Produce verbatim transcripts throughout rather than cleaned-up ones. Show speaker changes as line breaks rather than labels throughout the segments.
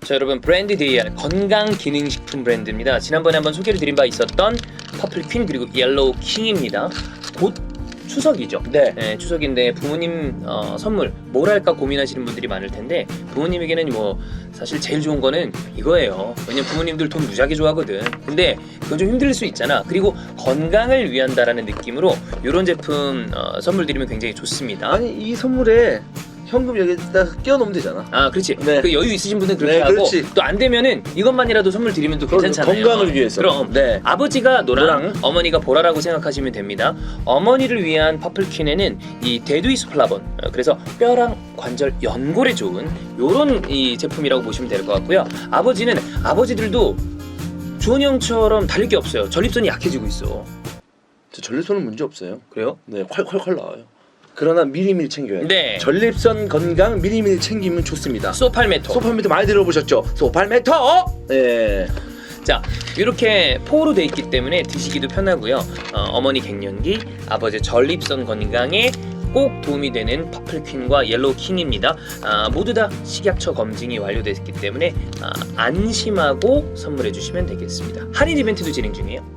자, 여러분, 브랜드 디이알 건강 기능식품 브랜드입니다. 지난번에 한번 소개를 드린 바 있었던 퍼플 퀸 그리고 옐로우 킹입니다. 곧 추석이죠.
네.
네, 추석인데 부모님 어, 선물 뭘 할까 고민하시는 분들이 많을 텐데 부모님에게는 뭐 사실 제일 좋은 거는 이거예요. 왜냐면 부모님들 돈 무지하게 좋아하거든. 근데 그건 좀 힘들 수 있잖아. 그리고 건강을 위한다라는 느낌으로 이런 제품 어, 선물 드리면 굉장히 좋습니다.
아니 이 선물에 현금 여기다 끼워 넣으면 되잖아.
아, 그렇지.
네.
그 여유 있으신 분은 그렇게
네,
하고
그렇지.
또 안 되면은 이것만이라도 선물 드리면 또 괜찮잖아요.
건강을 위해서.
그럼
네.
아버지가 노랑,
노랑.
어머니가 보라라고 생각하시면 됩니다. 어머니를 위한 퍼플퀸에는 이 데두이소플라본, 어, 그래서 뼈랑 관절 연골에 좋은 요런 이 제품이라고 보시면 될 것 같고요. 아버지는 아버지들도 주원이 형처럼 달릴 게 없어요. 전립선이 약해지고 있어.
저 전립선은 문제 없어요.
그래요?
네, 콸콸콸 나와요. 그러나 미리미리 챙겨야 돼요.
네.
전립선 건강 미리미리 챙기면 좋습니다.
소팔메토.
소팔메토 많이 들어보셨죠? 소팔메토. 네.
자, 이렇게 포로 돼 있기 때문에 드시기도 편하고요. 어, 어머니 갱년기, 아버지 전립선 건강에 꼭 도움이 되는 퍼플퀸과 옐로우 킹입니다. 아, 모두 다 식약처 검증이 완료됐기 때문에 아, 안심하고 선물해 주시면 되겠습니다. 할인 이벤트도 진행 중이에요.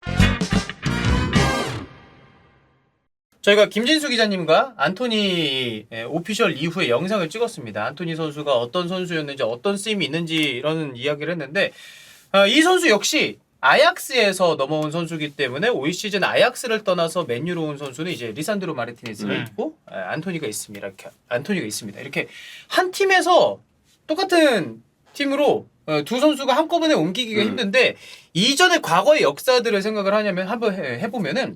저희가 김진수 기자님과 안토니 오피셜 이후에 영상을 찍었습니다. 안토니 선수가 어떤 선수였는지 어떤 쓰임이 있는지 이런 이야기를 했는데 어, 이 선수 역시 아약스에서 넘어온 선수이기 때문에 올 시즌 아약스를 떠나서 맨유로 온 선수는 이제 리산드로 마르티네스가
음.
있고 에, 안토니가 있습니다. 이렇게 안토니가 있습니다. 이렇게 한 팀에서 똑같은 팀으로 어, 두 선수가 한꺼번에 옮기기가
음.
힘든데 이전의 과거의 역사들을 생각을 하냐면 한번 해, 해보면은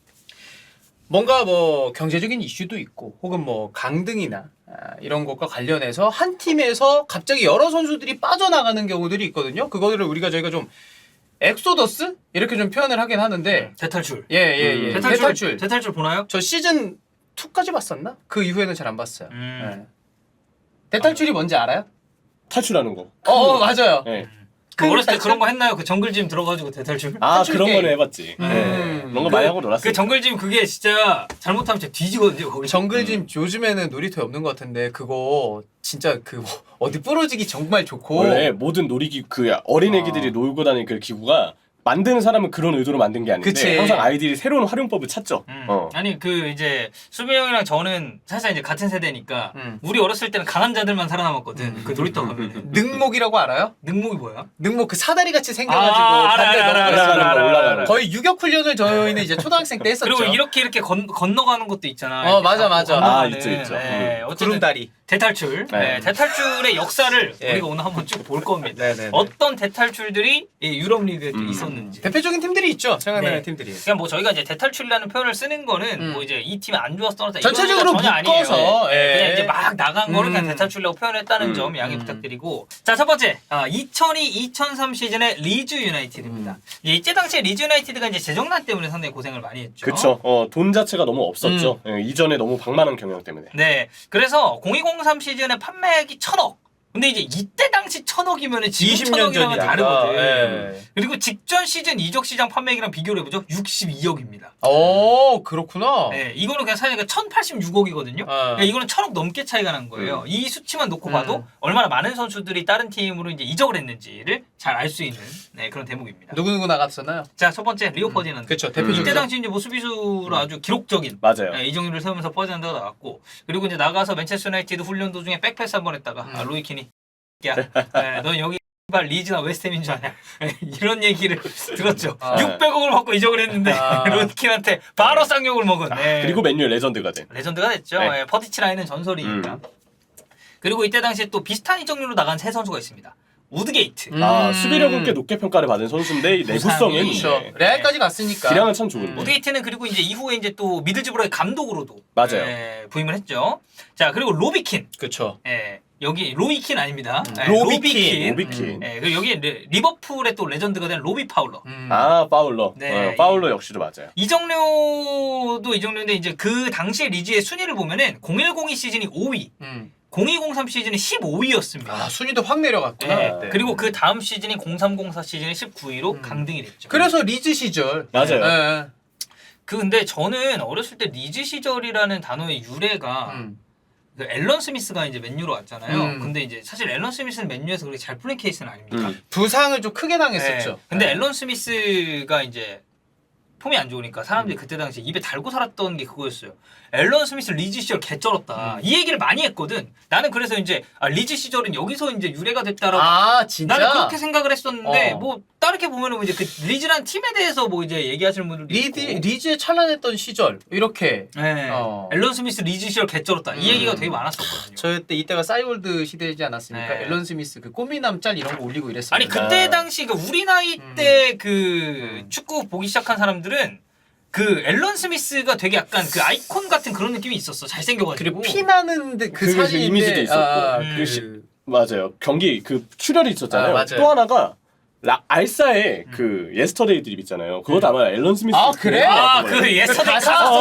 뭔가 뭐 경제적인 이슈도 있고 혹은 뭐 강등이나 아, 이런 것과 관련해서 한 팀에서 갑자기 여러 선수들이 빠져나가는 경우들이 있거든요. 그거를 우리가 저희가 좀 엑소더스 이렇게 좀 표현을 하긴 하는데
대탈출.
예예예
음.
대탈출.
대탈출.
대탈출 보나요?
저 시즌 이까지 봤었나? 그 이후에는 잘 안 봤어요.
음.
예. 대탈출이 뭔지 알아요?
탈출하는 거.
어, 어 맞아요.
네.
그 어렸을 때
탈출?
그런 거 했나요? 그 정글짐 들어가지고 대탈출?
아
탈출
그런
게임.
거는 해봤지.
음.
네. 그런 거
그-
많이 하고 놀았어.
그 정글짐 그게 진짜 잘못하면 진짜 뒤지거든요. 거기.
정글짐 요즘에는 놀이터에 없는 것 같은데 그거 진짜 그 어디 부러지기 정말 좋고
원래 모든 놀이기 그 어린 애기들이
아.
놀고 다니는 그 기구가 만드는 사람은 그런 의도로 만든 게 아닌데
그치.
항상 아이들이 새로운 활용법을 찾죠.
음.
어.
아니 그 이제 수비 형이랑 저는 사실 이제 같은 세대니까
음.
우리 어렸을 때는 강한 자들만 살아남았거든. 그 놀이터 가면.
능목이라고 알아요?
능목이 뭐야?
능목 그 사다리 같이 생겨가지고
아, 알아,
반대
알아, 알아,
넘어가는
올라가는 거,
알아,
올라가는
알아.
거.
거의 유격 훈련을 저희는 이제 초등학생 때 했었죠.
그리고 이렇게 이렇게 건, 건너가는 것도 있잖아.
어,
이렇게
맞아,
잡고
맞아.
건너가는.
아, 있죠, 있죠.
네,
음.
어쨌든
구름다리.
대탈출. 네.
네.
대탈출의 역사를
예.
우리가 오늘 한번 쭉 볼 겁니다.
네네.
어떤 대탈출들이 이 유럽 리그에 또
음.
있었는지.
대표적인 팀들이 있죠. 생각나는
네.
팀들이.
그냥 뭐 저희가 이제 대탈출이라는 표현을 쓰는 거는
음.
뭐 이제 이 팀이 안 좋아서 떠났다
전체적으로
이런 의미가 전혀
묶어서,
아니에요.
예.
네, 그냥 이제 막 나간 거를
음.
그냥 대탈출이라고 표현했다는
음.
점 양해
음.
부탁드리고 자 첫 번째 아, 이천이 이천삼 시즌의 리즈 유나이티드입니다.
음.
예, 이때 당시에 리즈 유나이티드가 이제 재정난 때문에 상당히 고생을 많이 했죠.
그쵸. 어, 돈 자체가 너무 없었죠. 예, 이전에 너무 방만한 경영 때문에.
네, 그래서 공이공삼 시즌에 판매액이 천억. 근데 이제 이때 당시 천억이면 지금
이십 년
천억이랑은
전이야.
다르거든.
예.
그리고 직전 시즌 이적 시장 판매액이랑 비교를 해보죠. 육십이억입니다.
오, 그렇구나.
네, 이거는 그냥 사실 천팔십육억이거든요.
어.
이거는 천억 넘게 차이가 난 거예요.
음.
이 수치만 놓고
음.
봐도 얼마나 많은 선수들이 다른 팀으로 이제 이적을 했는지를 잘 알 수 있는 네, 그런 대목입니다.
누구누구 나갔었나요?
자, 첫 번째 리오 퍼디난드.
그쵸,
이때
대표적이죠.
당시 이제 뭐 수비수로 아주 기록적인
맞아요.
네, 이정률을 세우면서 퍼디난드가 나왔고 그리고 이제 나가서 맨체스터 유나이티드 훈련 도중에 백패스 한 번 했다가
음.
아, 로이킨이 야, 네, 넌 여기 리즈나 웨스트햄인 줄 아냐 이런 얘기를 들었죠.
아.
육백억을 받고 이적을 했는데
아.
로이킨한테 바로 쌍욕을 먹은 네.
그리고 맨유의 레전드가 된.
레전드가 됐죠.
네.
예, 퍼디치 라인은 전설이니까.
음.
그리고 이때 당시에 또 비슷한 이적률로 나간 세 선수가 있습니다. 우드게이트.
음.
아 수비력은 꽤 높게 평가를 받은 선수인데 이 내구성은
그렇죠.
네.
레알까지 갔으니까.
기량은 참 좋은데.
음.
우드게이트는 그리고 이제 이후에 이제 또 미들즈브로의 감독으로도
맞아요.
예, 부임을 했죠. 자 그리고 로비킨.
그쵸.
예, 여기 로이킨 아닙니다. 예,
로비킨.
로비킨.
예, 그리고 여기 리- 리버풀의 또 레전드가 된 로비 파울러.
음.
아 파울러.
네.
어, 파울러 역시도 맞아요.
이정료도 이정료인데 이제 그 당시에 리즈의 순위를 보면은 공일공이 시즌이 오 위,
음.
공이공삼 시즌이 십오 위였습니다.
아, 순위도 확 내려갔구나.
네.
네.
그리고 그 다음 시즌인 공삼공사 시즌이 십구 위로
음.
강등이 됐죠.
그래서 리즈 시절.
맞아요.
예.
그 근데 저는 어렸을 때 리즈 시절이라는 단어의 유래가
음.
그 앨런 스미스가 이제 맨유로 왔잖아요.
음.
근데 이제 사실 앨런 스미스는 맨유에서 그렇게 잘 풀린 케이스는 아닙니다.
음.
부상을 좀 크게 당했었죠.
네. 근데
네.
앨런 스미스가 이제 폼이 안 좋으니까 사람들이 그때 당시 입에 달고 살았던 게 그거였어요. 앨런 스미스 리즈 시절 개쩔었다.
음.
이 얘기를 많이 했거든. 나는 그래서 이제 아, 리즈 시절은 여기서 이제 유래가 됐다라고.
아 진짜?
나는 그렇게 생각을 했었는데
어.
뭐 다르게 보면은 이제 그 리즈란 팀에 대해서 뭐 이제 얘기하시는 분들도
리드,
있고.
리즈의 찬란했던 시절 이렇게
네.
어.
앨런 스미스 리즈 시절 개쩔었다. 이
음.
얘기가 되게 많았었거든요.
저때 이때가 싸이월드 시대이지 않았습니까?
네.
앨런 스미스 그 꼬미남 짤 이런 거 올리고 이랬어요.
아니 그때 당시 그 우리 나이
음.
때 그 축구 보기 시작한 사람들은 그 앨런 스미스가 되게 약간 그 아이콘 같은 그런 느낌이 있었어. 잘생겨가지고.
그리고 피나는 그
그게
사진인데
이미지도 있었고.
아,
음.
그 시- 맞아요. 경기 그 출혈이 있었잖아요.
아, 맞아요.
또 하나가 라, 알사의 그 예스터데이 드립 있잖아요. 그것도 아마 앨런 스미스.
아, 그래?
아, 그 예스터데이
가사?
카스트로.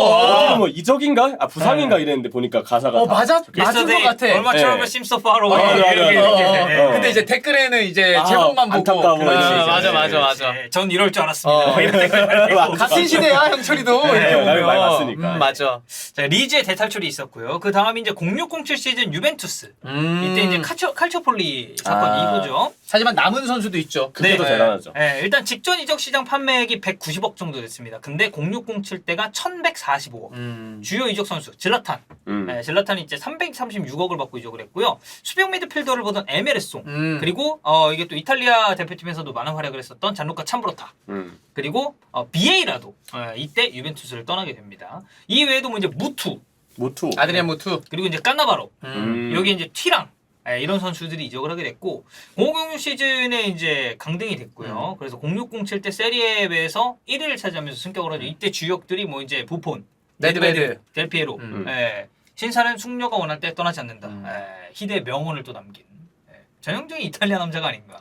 어, 뭐 이적인가? 아 부상인가 이랬는데 보니까 가사가
어
다
맞아 맞은 것 같아.
얼마
네.
트러블 심서 파로.
어, 맞아, 맞아,
이렇게
맞아.
이렇게.
어,
네.
어. 근데 이제 댓글에는 이제
아,
제목만 보고
안타까워.
그렇지.
아,
맞아
네,
맞아
네,
맞아.
네, 전 이럴 줄 알았습니다.
어.
이런 댓글 달리고.
맞아.
같은 시대야 형철이도
네,
이렇게
나를 많이
보면
봤으니까.
음, 맞아.
자, 리즈의 대탈출이 있었고요. 그 다음 이제 공육공칠 시즌 유벤투스.
음.
이때 이제 카초, 칼초폴리 사건
아.
이후죠.
하지만 남은 선수도 있죠.
그게
네.
더 대단하죠.
네, 일단 직전 이적 시장 판매액이 백구십억 정도 됐습니다. 근데 공육공칠 때가 천백사십오억.
음.
주요 이적 선수 질라탄.
음.
네, 질라탄이 이제 삼백삼십육억을 받고 이적을 했고요. 수비형 미드필더를 보던 에메르송.
음.
그리고 어, 이게 또 이탈리아 대표팀에서도 많은 활약을 했었던 잔루카 참브로타.
음.
그리고 어, 비에이라도 어, 이때 유벤투스를 떠나게 됩니다. 이 외에도 뭐 이제 무투
모투.
아드리안 무투.
그리고 이제 까나바로
음.
여기 이제 튀랑 예, 이런 선수들이 이적을 하게 됐고 공육공육 시즌에 이제 강등이 됐고요. 그래서 공육공칠 때 세리에에서 일 위를 차지하면서 승격을 하죠. 이때 주역들이 뭐 이제 부폰,
네드베드.
델피에로,
음.
예, 신사는 숙녀가 원할 때 떠나지 않는다.
음.
예, 희대의 명언을 또 남긴 예, 전형적인 이탈리아 남자가 아닌가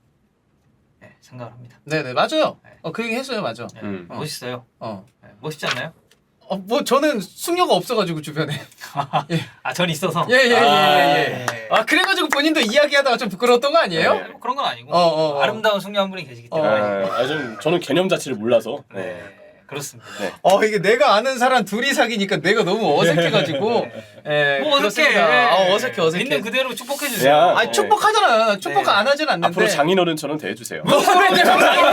예, 생각을 합니다.
네네 맞아요.
네.
어, 그 얘기 했어요 맞아.
예,
음.
멋있어요.
어.
예, 멋있지 않나요?
어, 뭐 저는 숙녀가 없어가지고 주변에.
아, 전 있어서.
예예예 예, 예,
아,
예. 아 그래가지고 본인도 이야기하다가 좀 부끄러웠던 거 아니에요?
네, 뭐 그런 건 아니고
어, 어, 어.
아름다운 숙녀 한 분이 계시기
어.
때문에
아, 아, 좀 저는 개념 자체를 몰라서.
네,
네.
그렇습니다.
네.
어 이게 내가 아는 사람 둘이 사귀니까 내가 너무 어색해가지고. 예.
뭐 어색해.
그렇습니다. 어, 어색해 어색해.
있는 그대로 축복해 주세요.
야.
아니 축복하잖아. 축복
네.
안 하진 않는데.
앞으로 장인어른처럼 대해주세요.
뭐 그래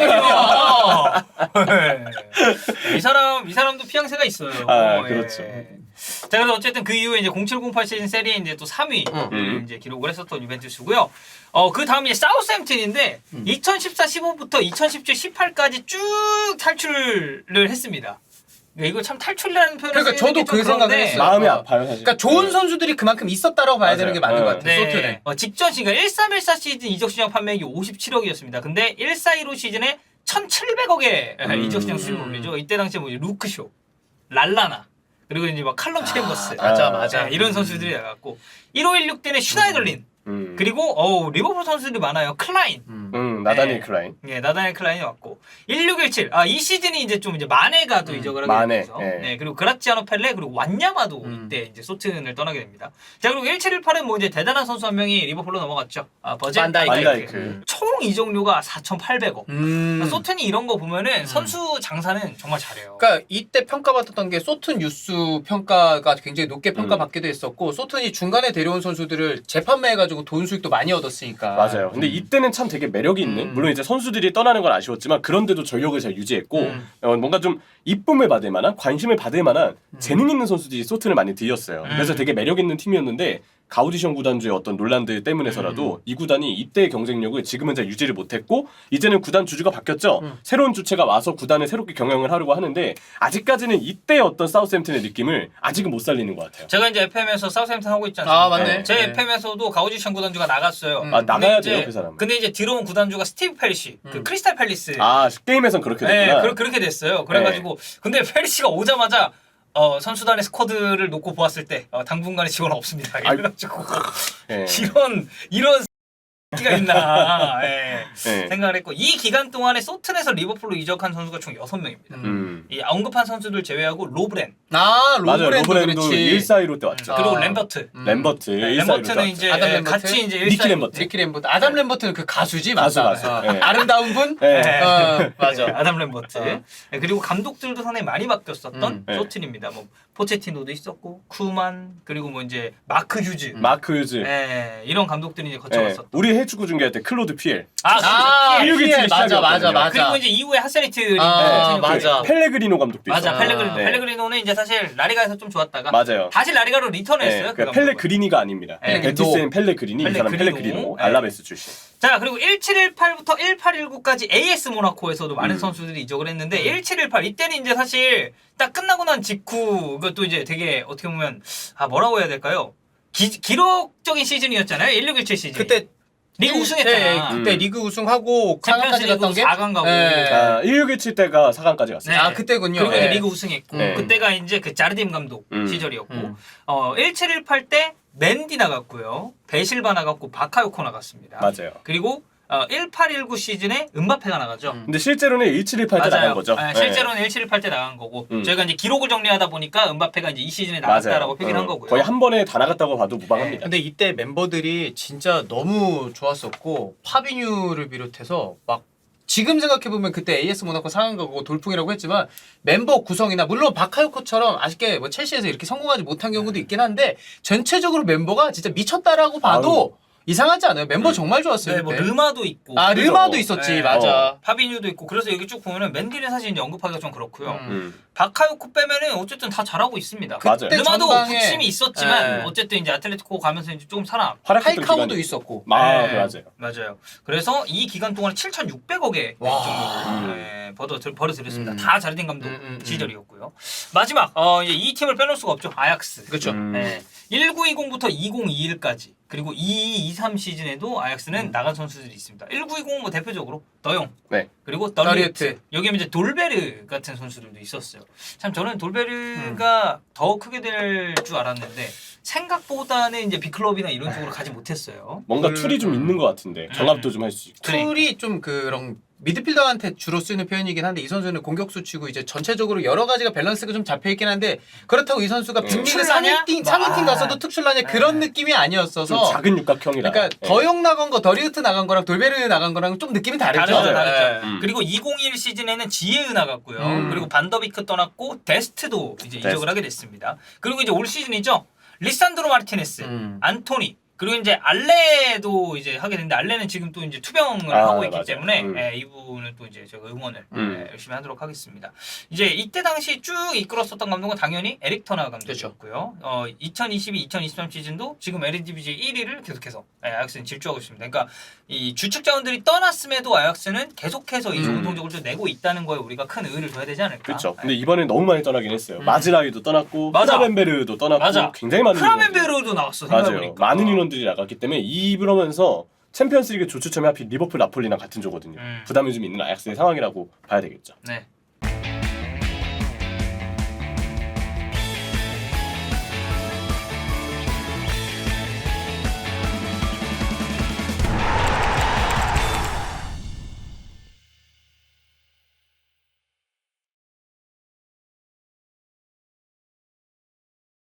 네. 이 사람 이 사람도 피양새가 있어요.
아,
예.
그렇죠.
자, 그래서 어쨌든 그 이후에 이제 공칠 공팔 시즌 세리에 이제 또 삼 위
음.
이제 기록을 했었던 유벤투스고요. 어, 그 다음 이제 사우스햄튼인데
음.
이천십사 십오부터 이천십칠 십팔까지 쭉 탈출을 했습니다. 이거 참 탈출이라는 표현을
그러니까
쓰는
저도
게 좀
그 생각을
그런데
했어요.
마음이
어.
아파요 사실.
그러니까 좋은
네.
선수들이 그만큼 있었다라고 봐야 되는 게 맞는
맞아요.
것 같아요. 소트는.
네. 어, 직전 시즌 일삼일사 시즌 이적 시장 판매액이 오십칠억이었습니다. 근데 일사일오 시즌에 천칠백억에
음.
이적 시장 수익을 올리죠. 이때 당시에 뭐 루크쇼, 랄라나 그리고 이제 막 칼럼 챔버스,
맞아
아,
맞아.
네, 이런 선수들이 나갔고 일오일육 때는 슈나이더린
음.
그리고 어우, 리버풀 선수들이 많아요. 클라인.
음.
음 나다니
네.
클라인.
예, 나다니엘 클라인이 왔고 일육일칠. 아, 이 시즌이 이제 좀 이제 마네가 또
음,
이적을 하게
마네,
되면서.
예.
네, 그리고 그라치아노 펠레 그리고 완야마도
음.
이때 이제 소튼을 떠나게 됩니다. 자, 그리고 일칠일팔은 뭐 이제 대단한 선수 한 명이 리버풀로 넘어갔죠. 아, 버제
반다이크.
반다이크.
총 이적료가 사천팔백억.
음.
소튼이 이런 거 보면은 선수 장사는 정말 잘해요.
그러니까 이때 평가받았던 게 소튼 유스 평가가 굉장히 높게
음.
평가받기도 했었고 소튼이 중간에 데려온 선수들을 재판매해가지고 돈 수익도 많이 얻었으니까.
맞아요. 근데 이때는 참 되게 매력이 있는.
음.
물론 이제 선수들이 떠나는 건 아쉬웠지만 그런데도 전력을 잘 유지했고
음.
어, 뭔가 좀 이쁨을 받을 만한 관심을 받을 만한 재능 있는 선수들이 소튼을 많이 들였어요. 그래서
음.
되게 매력 있는 팀이었는데 가우디션 구단주의 어떤 논란들 때문에서라도
음.
이 구단이 이때의 경쟁력을 지금은 잘 유지를 못했고 이제는 구단 주주가 바뀌었죠.
음.
새로운 주체가 와서 구단을 새롭게 경영을 하려고 하는데 아직까지는 이때의 어떤 사우스햄튼의 느낌을 아직은 못 살리는 것 같아요.
제가 이제 에프엠에서 사우스햄튼 하고 있지 않습니까?
아 맞네.
제
네.
에프엠에서도 가우디션 구단주가 나갔어요.
음.
아
근데
나가야
이제-
돼요 그 사람은.
근데 이제 들어온 구단주가 스티브 페리시, 그
음.
크리스탈 팰리스.
아 게임에선 그렇게
네,
됐구나.
그, 그렇게 됐어요. 그래가지고 근데 페리시가 오자마자 어, 선수단의 스쿼드를 놓고 보았을 때 어, 당분간의 지원 없습니다. 이래가지고
네.
이런 이런 X가 있나 예,
네.
생각을 했고 이 기간 동안에 소튼에서 리버풀로 이적한 선수가 총 여섯 명입니다.
음.
음.
이 언급한 선수들 제외하고 로브렌
아
맞아요.
로브랜드
로브랜도
그렇지.
일사일오 때 왔죠.
그리고
아.
램버트.
음.
램버트
네,
일사일오 때
램버트는
왔죠.
이제
아담
예,
램버트?
같이 이제
니키
일사일-
램버트.
리키 램버트. 아담 램버트는 그 가수지
가수,
맞다.
가수.
어.
네.
아름다운 분.
네.
네.
어, 맞아.
아담 램버트.
어.
네, 그리고 감독들도 상당히 많이 바뀌었었던
음.
네.
소튼입니다. 뭐 포체티노도 있었고 쿠만 그리고 뭐 이제 마크 휴즈
마크 유즈.
예, 이런 감독들이 이제
예,
거쳐갔었던.
우리 해축구 중계할 때 클로드 피엘.
아,
아,
그렇죠.
일육일칠
맞아, 맞아,
시작이었거든요.
맞아.
그리고 이제 이후에 하세리트 링
아,
그
맞아.
펠레그리노 감독도
맞아
있어요.
펠레그리노
네.
펠레그리노는 이제 사실 라리가에서 좀 좋았다가
맞아요.
다시 라리가로 리턴했어요.
네,
그
그러니까
감독은.
펠레그리니가 아닙니다.
네.
베티스엔 펠레그리니, 이 사람
펠레그리노.
펠레그리노,
네.
알라베스 출신.
자 그리고 일칠일팔부터 일팔일구까지 에이에스 모나코에서도 많은
음.
선수들이 이적을 했는데 일칠일팔 이때는 이제 사실 딱 끝나고 난 직후 그것도 이제 되게 어떻게 보면 아 뭐라고 해야 될까요? 기, 기록적인 시즌이었잖아요. 일육일칠 시즌.
그때
리그
일-
우승했잖아.
예, 예, 그때
음.
리그 우승하고
챔피언스
사 강까지
리그
갔던 게
사 강 가고.
예.
아, 일육일칠 때가 사 강까지 갔어요.
네.
아 그때군요.
그리고 이제
예.
리그 우승했고
네.
그때가 이제 그 자르딤 감독
음.
시절이었고
음.
어 일칠일팔 때 맨디 나갔고요. 베실바 나갔고 바카요코 나갔습니다.
맞아요.
그리고 어, 일팔일구 시즌에 음바페가 나가죠.
음.
근데 실제로는 일칠일팔 때 나간 거죠.
아,
네.
실제로는 일칠일팔 때 나간 거고
음.
저희가 이제 기록을 정리하다 보니까 음바페가 이제 이 시즌에
맞아요.
나갔다라고 표기를 한
어,
거고요.
거의 한 번에 다 나갔다고 봐도 무방합니다.
근데 이때 멤버들이 진짜 너무 좋았었고 파비뉴를 비롯해서 막 지금 생각해보면 그때 에이에스 모나코 사 강 가고 돌풍이라고 했지만 멤버 구성이나 물론 바카요코처럼 아쉽게 뭐 첼시에서 이렇게 성공하지 못한 경우도 있긴 한데 전체적으로 멤버가 진짜 미쳤다라고 봐도 이상하지 않아요. 멤버
음.
정말 좋았어요.
네, 뭐
그때.
르마도 있고
아
그죠?
르마도 있었지.
네.
맞아.
파비뉴도 있고 그래서 여기 쭉 보면은 맨디는 사실 이제 언급하기가 좀 그렇고요.
음.
음.
바카요코 빼면은 어쨌든 다 잘하고 있습니다.
맞아요.
그때
르마도
전방에-
부침이 있었지만
네.
어쨌든 이제 아틀레티코 가면서 이제 조금 살아.
활약했던
파이카오도
기간이-
있었고.
아,
네.
맞아요.
맞아요. 그래서 이 기간 동안 칠천육백억에
와.
정도
음.
네, 벌어 벌어들였습니다.
음.
다 자르딘 감독
음, 음, 음.
시절이었고요. 마지막 어, 이제 이 팀을 빼놓을 수가 없죠. 아약스.
그렇죠.
음.
네. 천구백이십부터 이천이십일까지 그리고 이천이십이, 이십삼 시즌에도 아약스는
음.
나간 선수들이 있습니다. 천구백이십 뭐 대표적으로 더용
네.
그리고
더리우트.
더리우트 여기에 이제 돌베르 같은 선수들도 있었어요. 참 저는 돌베르가 더 크게 될 줄 알았는데 생각보다는 이제 빅클럽이나 이런 쪽으로 가지 못했어요.
뭔가
음.
툴이 좀 있는 것 같은데 정합도 좀 할 수 있고.
그러니까.
툴이 좀 그런 미드필더한테 주로 쓰는 표현이긴 한데 이 선수는 공격수 치고 이제 전체적으로 여러 가지가 밸런스가 좀 잡혀 있긴 한데 그렇다고 이 선수가 빅리그
특출나냐?
상위팀 상위팀
뭐,
가서도 특출나냐 그런 느낌이
좀
아니었어서
작은 육각형이라.
그러니까
네.
더용 나간 거 더리우트 나간 거랑 돌베르 나간 거랑 좀 느낌이 다르죠.
다르죠,
네.
다르죠.
음.
그리고 이천일 시즌에는 지에으 나갔고요.
음.
그리고 반더비크 떠났고 데스트도 이제
데스트.
이적을 하게 됐습니다. 그리고 이제 올 시즌이죠. 리산드로 마르티네스,
음.
안토니 그리고 이제 알레도 이제 하게 됐는데 알레는 지금 또 이제 투병을
아,
하고 있기
맞아요.
때문에
음.
예, 이분은 또 이제 제가 응원을
음.
예, 열심히 하도록 하겠습니다. 이제 이때 당시 쭉 이끌었었던 감독은 당연히 에릭 터나 감독이었고요. 어, 이천이십이, 이천이십삼 시즌도 지금 에르디비지 일 위를 계속해서 예, 아약스는 질주하고 있습니다. 그러니까 이 주축 자원들이 떠났음에도 아약스는 계속해서 이 좋은
음.
성적을 좀 내고 있다는 거에 우리가 큰 의의를 둬야 되지 않을까.
그렇죠.
예.
근데 이번엔 너무 많이 떠나긴 했어요. 마즈라위도 떠났고,
맞아.
크라벤베르도 떠났고,
맞아.
굉장히 많은 인원들이-
크라멘베르도 나왔어.
맞아요.
생각해보니까.
많은 인원들이 나갔기 때문에 이러면서 챔피언스리그 조추첨이 하필 리버풀 나폴리랑 같은 조거든요.
음.
부담이 좀 있는 아약스의 상황이라고 봐야 되겠죠.
네.